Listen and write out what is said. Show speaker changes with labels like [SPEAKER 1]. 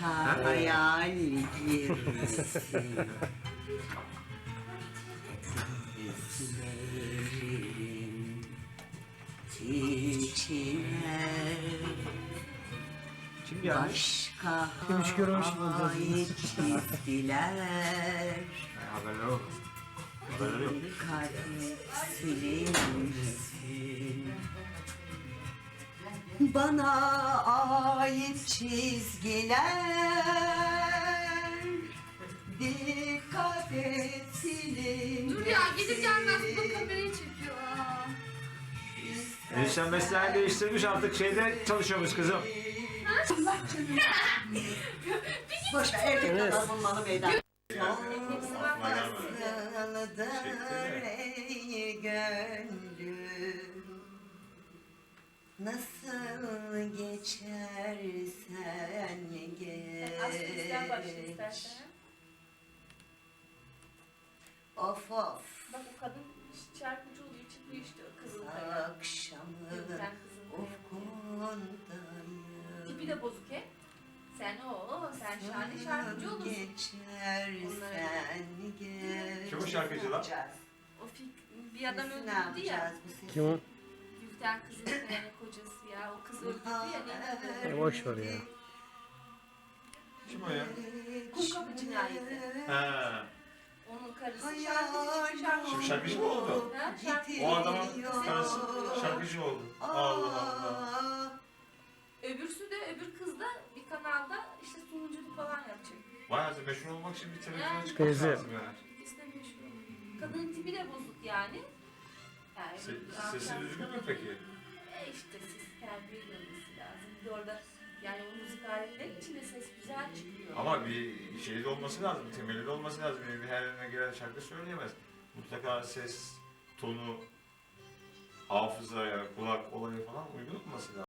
[SPEAKER 1] başka hayal girmesin. Gözlerin içine
[SPEAKER 2] Kim gelmiş?
[SPEAKER 1] başka
[SPEAKER 3] Kimmiş görmüş gibi
[SPEAKER 1] ait çizgiler.
[SPEAKER 2] Haberler yok. Haberler yok.
[SPEAKER 1] Kalbim silinsin. Bana ait çizgiler. Dikkat et silinsin.
[SPEAKER 4] Dur ya, gelir gelmez bu da kamerayı çekiyor. Aa.
[SPEAKER 2] Enişten mesleğini değiştirmiş, artık şeyde çalışıyormuş kızım.
[SPEAKER 1] Boş ver, erkek
[SPEAKER 3] Evet.
[SPEAKER 1] kadar bulmalı meydan.
[SPEAKER 4] Hepsi var.
[SPEAKER 1] Nasıldır ey gönlüm, nasıl geçersen geç.
[SPEAKER 4] Aslında başla istersen.
[SPEAKER 1] Of of,
[SPEAKER 4] Bak o kadın şarkıcı olduğu için bu işte kızıl kaya.
[SPEAKER 1] akşamın
[SPEAKER 4] Sen kızıl kaya.
[SPEAKER 1] ufkundayım.
[SPEAKER 4] Tipi de bozuk he. Sen sen şahane şarkıcı olursun.
[SPEAKER 1] Geçersen geç.
[SPEAKER 2] Kim o şarkıcı lan?
[SPEAKER 4] O bir adam
[SPEAKER 1] Ne
[SPEAKER 4] öldürdü
[SPEAKER 1] yapacağız
[SPEAKER 4] ya.
[SPEAKER 1] bu sesi?
[SPEAKER 3] Kim o?
[SPEAKER 4] Gülten kızıl kayanın kocası ya. O kız öldürdü ya. Ne
[SPEAKER 3] Boş ver ya.
[SPEAKER 2] Kim o ya?
[SPEAKER 4] Kumkapı cinayeti.
[SPEAKER 2] Ha.
[SPEAKER 4] Onun karısı şarkıcı.
[SPEAKER 2] Şimdi şarkıcı mı oldu?
[SPEAKER 4] Ha, şarkıcı.
[SPEAKER 2] O adamın karısı şarkıcı oldu. Allah Allah.
[SPEAKER 4] Öbürsü de öbür kız da bir kanalda işte sunuculuk falan yapacak.
[SPEAKER 2] Bayağı meşhur olmak için bir televizyona
[SPEAKER 4] Yani.
[SPEAKER 2] çıkmak
[SPEAKER 3] Teyze.
[SPEAKER 2] lazım yani.
[SPEAKER 4] İkisi de meşhur. Kadının tipi de bozuk yani. Yani
[SPEAKER 2] Sesi düzgün mü peki?
[SPEAKER 4] İşte ses terbiyeli olması lazım. Bir de orada yani o müzik aletleri içinde ses güzel çıkıyor.
[SPEAKER 2] Ama bir şeyde olması lazım, temeli de olması lazım. Yani bir her yerine giren şarkı söyleyemez. Mutlaka ses, tonu, hafızaya, kulak olayı falan uygun olması lazım.